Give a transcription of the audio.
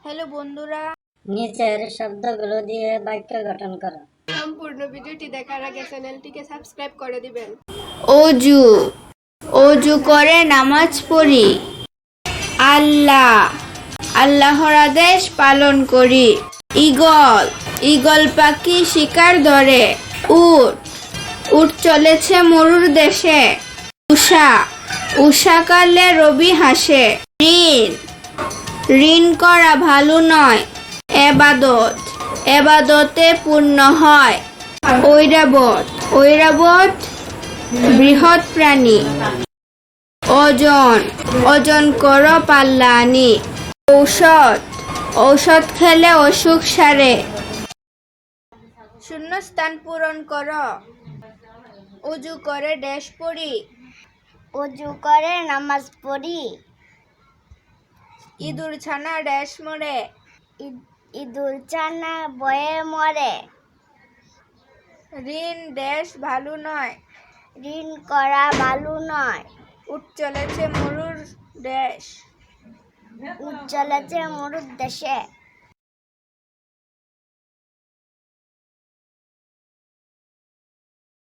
Hello বন্ধুরা, নিচের শব্দগুলো দিয়ে বাক্য গঠন করো। সম্পূর্ণ ভিডিওটি দেখার আগে চ্যানেলটিকে সাবস্ক্রাইব করে দিবেন। অজু অজু করে নামাজ পড়ি। আল্লাহ আল্লাহর আদেশ পালন করি। ঈগল ঈগল পাখি শিকার ধরে। উট উট চলেছে মরুর দেশে। উষা উষাকালে রবি হাসে। ঋণ ঋণ করা ভালো নয়। এবাদত এবাদতে পূর্ণ হয়। ঐরাবত ঐরাবত বৃহৎ প্রাণী। ওজন ওজন করো পাল্লা আনি। ঔষধ ঔষধ খেলে অসুখ সারে। শূন্যস্থান পূরণ করো। উজু করে ড্যাশ পড়ি। অজু করে নামাজ পড়ি। ইঁদুর ছানা ড্যাশ মরে। ইঁদুর ছানা বয়ে মরে। ঋণ ড্যাশ ভালো নয়। ঋণ করা ভালো নয়। উঠ চলেছে মরুর দেশ। উঠ চলেছে মরুর দেশে।